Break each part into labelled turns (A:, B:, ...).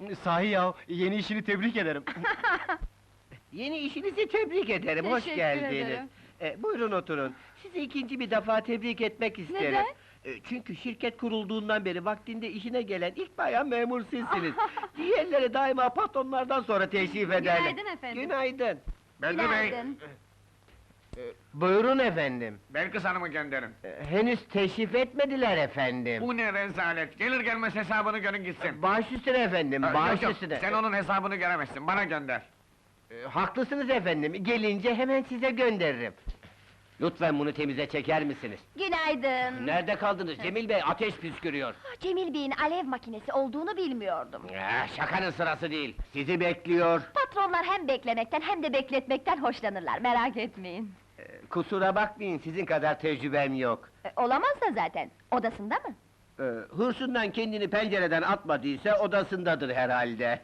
A: Sahi ya, yeni işini tebrik ederim.
B: Yeni işinizi tebrik ederim, hoş
C: Teşekkür
B: geldiniz.
C: ederim.
B: Buyurun oturun. Sizi ikinci bir defa tebrik etmek isterim.
C: Neden?
B: Çünkü şirket kurulduğundan beri vaktinde işine gelen ilk bayan memur sizsiniz. Diğerleri daima patronlardan sonra teşrif ederler.
C: Günaydın efendim.
B: Günaydın.
D: Bedri Bey,
C: Günaydın.
B: Buyurun efendim.
D: Belkıs Hanım'ı gönderin.
B: Henüz teşrif etmediler efendim.
D: Bu ne rezalet, gelir gelmez hesabını görün gitsin.
B: Baş üstüne efendim, baş
D: Yok, yok,
B: üstüne.
D: sen onun hesabını göremezsin, bana gönder.
B: Haklısınız efendim, gelince hemen size gönderirim. Lütfen bunu temize çeker misiniz?
C: Günaydın.
B: Nerede kaldınız Cemil Bey? Ateş püskürüyor.
C: Cemil Bey'in alev makinesi olduğunu bilmiyordum.
B: Şakanın sırası değil. Sizi bekliyor.
C: Patronlar hem beklemekten hem de bekletmekten hoşlanırlar, merak etmeyin.
B: Kusura bakmayın, sizin kadar tecrübem yok.
C: Olamaz da zaten, odasında mı?
B: Hırsından kendini pencereden atmadıysa odasındadır herhalde.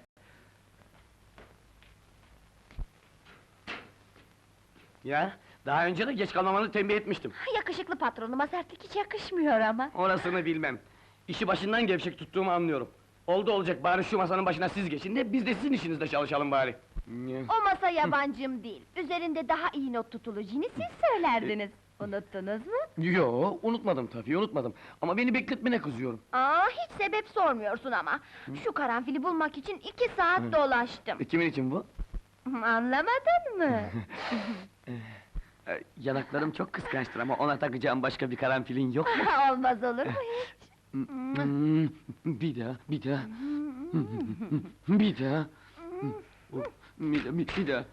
A: Ya, daha önce de geç kalmamanı tembih etmiştim.
C: Yakışıklı patronuma sertlik hiç yakışmıyor ama.
A: Orasını bilmem. İşi başından gevşek tuttuğumu anlıyorum. Oldu olacak, bari şu masanın başına siz geçin de biz de sizin işinizde çalışalım bari.
C: O masa yabancım değil, üzerinde daha iyi not tutulacağını siz söylerdiniz. Unuttunuz mu?
A: Yo, unutmadım tabii, unutmadım. Ama beni bekletmene kızıyorum.
C: Hiç sebep sormuyorsun ama. Şu karanfili bulmak için 2 saat dolaştım.
A: Kimin için bu?
C: Anlamadın mı?
A: Yanaklarım çok kıskançtır ama ona takacağım başka bir karanfilin yok mu?
C: Olmaz olur mu hiç?
A: Bir daha, bir daha. Bir daha. Bir daha.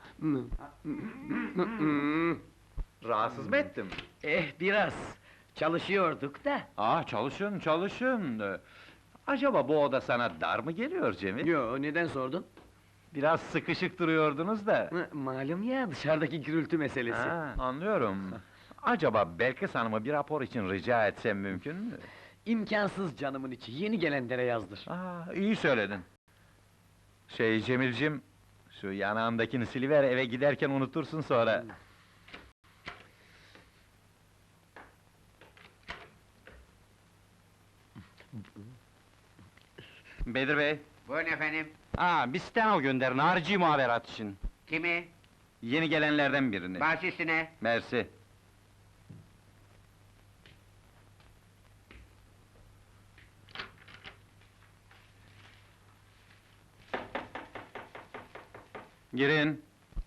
E: Rahatsız mı ettim?
A: Biraz. Çalışıyorduk da.
E: Çalışın, çalışın. Acaba bu oda sana dar mı geliyor Cemil?
A: Yo, neden sordun?
E: Biraz sıkışık duruyordunuz da.
A: Malum ya, dışarıdaki gürültü meselesi.
E: Anlıyorum. Acaba Belkıs Hanım'ı bir rapor için rica etsem mümkün mü?
A: İmkansız canımın içi, yeni gelenlere yazdır.
E: İyi söyledin. Cemilcim, şu yanağındakini siliver, eve giderken unutursun sonra. Bedir Bey.
B: Buyurun efendim.
E: Bir steno gönderin, harici muhaberat için.
B: Kimi?
E: Yeni gelenlerden birini.
B: Baş üstüne.
E: Mersi. Girin.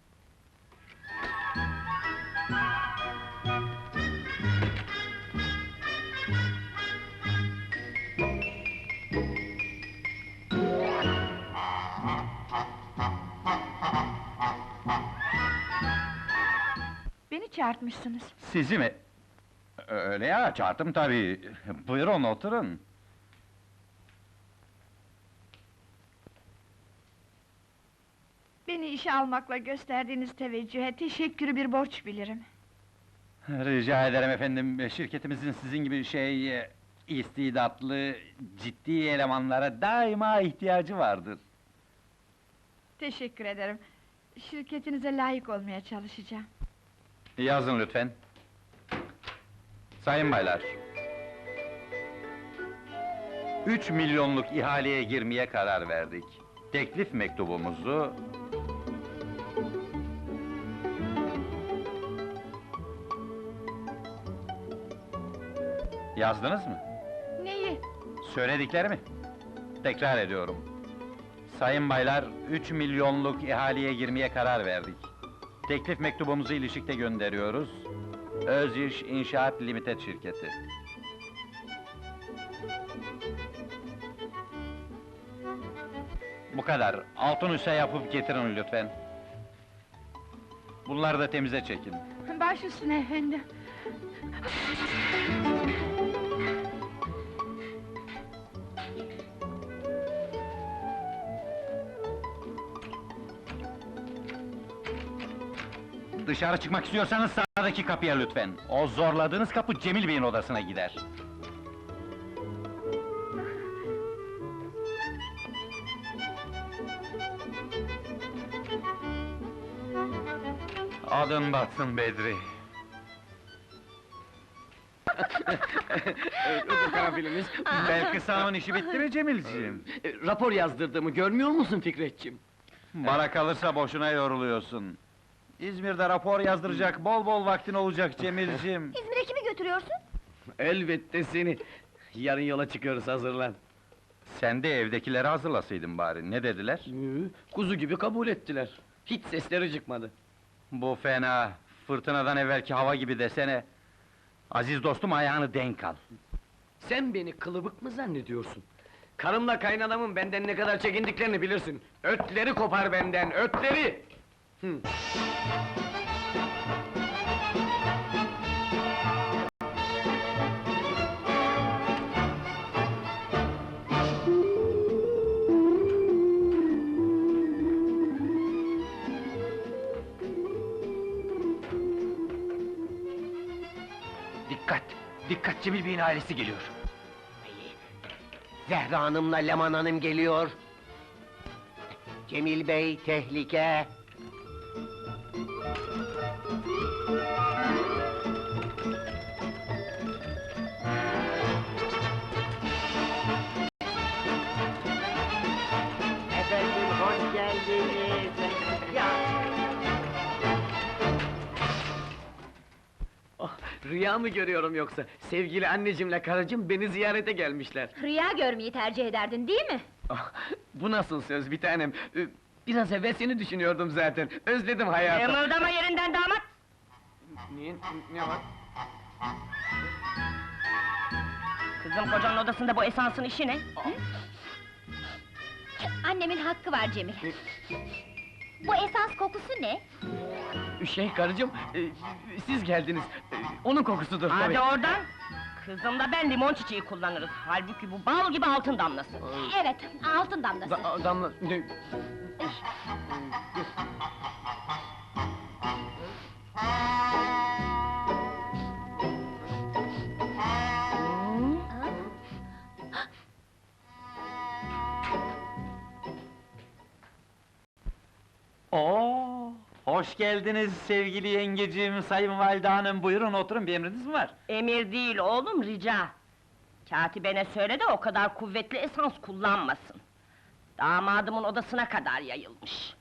C: Beni çağırtmışsınız.
E: Sizi mi? Öyle ya, çağırdım tabii. Buyurun, oturun.
F: Beni işe almakla gösterdiğiniz teveccühe teşekkürü bir borç bilirim.
E: Rica ederim efendim, şirketimizin sizin gibi istidatlı, ciddi elemanlara daima ihtiyacı vardır.
F: Teşekkür ederim. Şirketinize layık olmaya çalışacağım.
E: Yazın lütfen. Sayın baylar. 3 milyonluk ihaleye girmeye karar verdik. Teklif mektubumuzu... Yazdınız mı?
F: Neyi?
E: Söylediklerimi. Tekrar ediyorum. Sayın baylar, 3 milyonluk ihaleye girmeye karar verdik. Teklif mektubumuzu ilişikte gönderiyoruz. Öz-İş İnşaat Limited şirketi. Bu kadar. Altın üse yapıp getirin lütfen. Bunları da temize çekin.
F: Baş üstüne efendim.
E: Dışarı çıkmak istiyorsanız sağdaki kapıya lütfen. O zorladığınız kapı Cemil Bey'in odasına gider. Adın batsın Bedri.
A: Bu karanfiliniz.
E: Belki sağımın işi bitti mi Cemilciğim?
A: Rapor yazdırdığımı görmüyor musun Fikretciğim?
E: Bana kalırsa boşuna yoruluyorsun. İzmir'de rapor yazdıracak bol bol vaktin olacak Cemilciğim.
C: İzmir'e kimi götürüyorsun?
A: Elbette seni. Yarın yola çıkıyoruz, hazırlan.
E: Sen de evdekileri hazırlasaydın bari, ne dediler?
A: Kuzu gibi kabul ettiler. Hiç sesleri çıkmadı.
E: Bu fena, fırtınadan evvelki hava gibi desene. Aziz dostum, ayağını denk al.
A: Sen beni kılıbık mı zannediyorsun? Karımla kaynanamın benden ne kadar çekindiklerini bilirsin. Ötleri kopar benden, ötleri! Hı.
B: Dikkat! Dikkat, Cemil Bey'in ailesi geliyor. Zehra Hanım'la Leman Hanım geliyor. Cemil Bey, tehlike! Efendim, hoş geldiniz! Ya!
A: Oh, rüya mı görüyorum yoksa? Sevgili annecimle karıcığım beni ziyarete gelmişler.
C: Rüya görmeyi tercih ederdin değil mi?
A: Ah, bu nasıl söz bir tanem? Biraz evvel seni düşünüyordum zaten. Özledim hayatı.
F: Kımıldama yerinden damat!
A: Niye? Ne var?
F: Kızım, kocanın odasında bu esansın işi ne?
C: Annemin hakkı var Cemil. Bu esans kokusu ne?
A: Karıcığım, siz geldiniz. Onun kokusudur tabii.
F: Hadi oradan! Kızımda ben limon çiçeği kullanırız. Halbuki bu bal gibi altın damlası.
C: Evet, altın damlası.
A: Damla...
E: Oo, hoş geldiniz sevgili yengeciğim, sayın valide hanım, buyurun oturun, bir emriniz mi var?
F: Emir değil oğlum, rica! Katibene söyle de o kadar kuvvetli esans kullanmasın. Damadımın odasına kadar yayılmış.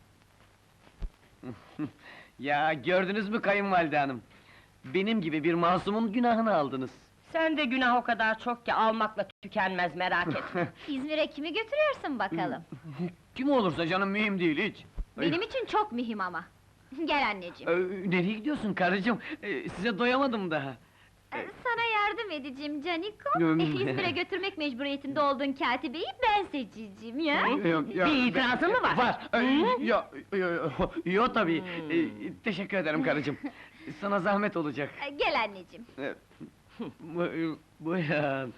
A: Ya gördünüz mü kayınvalide hanım? Benim gibi bir masumun günahını aldınız.
F: Sen de günah o kadar çok ki almakla tükenmez, merak etme.
C: İzmir'e kimi götürüyorsun bakalım?
A: Kim olursa canım mühim değil hiç.
C: Benim için çok mühim ama. Gel anneciğim.
A: Nereye gidiyorsun karıcığım? Size doyamadım daha.
C: Sana yardım edeceğim Caniko.
A: Hmm.
C: İzmir'e götürmek mecburiyetinde olduğun katibeyi ben seçeceğim ya.
F: Bir itirazın mı var?
A: Var. Yo tabii. Teşekkür ederim karıcığım. Sana zahmet olacak.
C: Gel anneciğim.
A: Buyurun.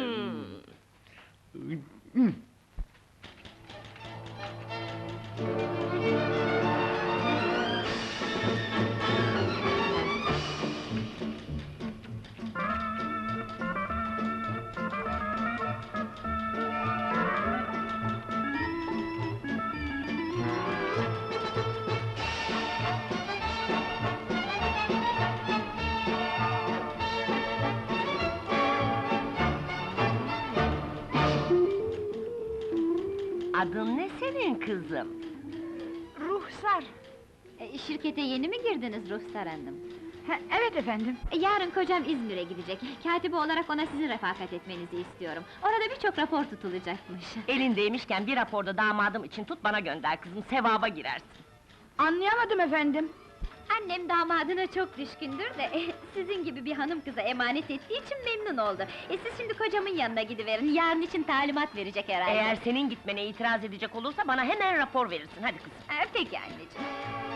F: Adın ne senin kızım?
G: Ruhsar.
C: Şirkete yeni mi girdiniz Ruhsar Hanım?
G: Evet efendim.
C: Yarın kocam İzmir'e gidecek. Katibi olarak ona sizin refakat etmenizi istiyorum. Orada birçok rapor tutulacakmış.
F: Elindeymişken bir raporda damadım için tut bana gönder kızım, sevaba girersin.
G: Anlayamadım efendim.
C: Annem damadına çok düşkündür de sizin gibi bir hanım kıza emanet ettiği için memnun oldu. Siz şimdi kocamın yanına gidiverin, yarın için talimat verecek herhalde.
F: Eğer senin gitmene itiraz edecek olursa bana hemen rapor verirsin, hadi kızım.
C: Peki anneciğim.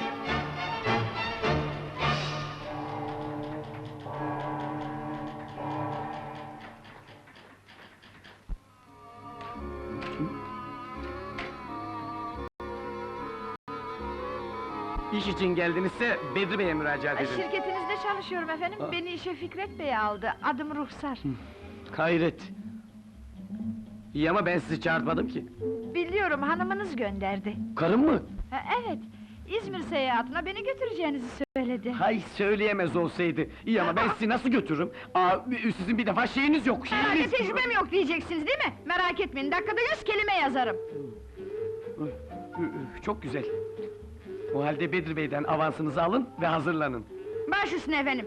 A: İş için geldinizse Bedri Bey'e müracaat edin.
G: Şirketinizde çalışıyorum efendim. Beni işe Fikret Bey aldı. Adım Ruhsar.
A: Hayret! İyi ama ben sizi çağırtmadım ki.
G: Biliyorum, hanımınız gönderdi.
A: Karım mı?
G: Evet, İzmir seyahatine beni götüreceğinizi söyledi. söyledi.
A: Hay söyleyemez olsaydı. İyi ama ben sizi nasıl götürürüm? Aa, sizin bir defa şeyiniz yok,
G: Herhalde
A: şeyiniz...
G: tecrübem yok diyeceksiniz değil mi? Merak etmeyin, dakikada 100 kelime yazarım.
A: Çok güzel. O halde Bedri Bey'den avansınızı alın ve hazırlanın.
G: Baş üstüne efendim.